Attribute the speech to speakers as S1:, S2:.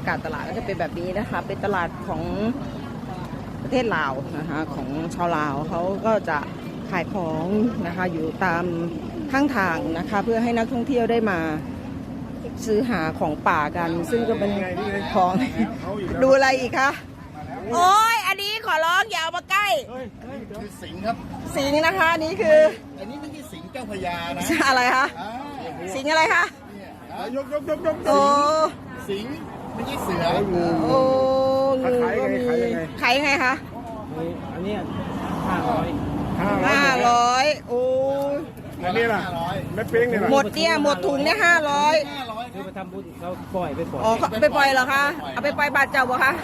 S1: ากาศตลาดก็จะเป็นแบบนี้นะคะเป็นตลาดของประเทศลาวนะคะของชาวลาวเขาก็จะขายของนะคะอยู่ตามข้างทางนะคะเพื่อให้นักท่องเที่ยวได้มาซื้อหาของป่ากันซึ่งก็เป็นของดูอะไรอีกคะโอ้ยอันนี้ขอร้องอย่าเอามาใกล้
S2: คือสิงห์ครับ
S1: สิงห์นะคะนี่คือ
S2: อันนี้ไม่ใช่สิงห์เจ้าพระยานะ
S1: อะไรคะ
S2: อ่า
S1: สิงห์อะไรคะ
S2: ยก
S1: โอ้
S2: สิงห์ไม่ใช่เสือ
S1: โอ้งูก็มีขายยังไงคะ
S3: อันนี้500
S1: 500โอ้ย
S4: อันนี้ล่ะ
S2: 500
S4: แม่เป้งเนี่ยล่ะ
S1: หมดเนี่ยหมดถุงเนี่ย500
S2: 500
S3: คือไปทำบุญเขาปล่อยไปปล่อย
S1: อ๋อไปปล่อยเหรอคะเอาไปปล่อยบาทเจ้าบ่คะ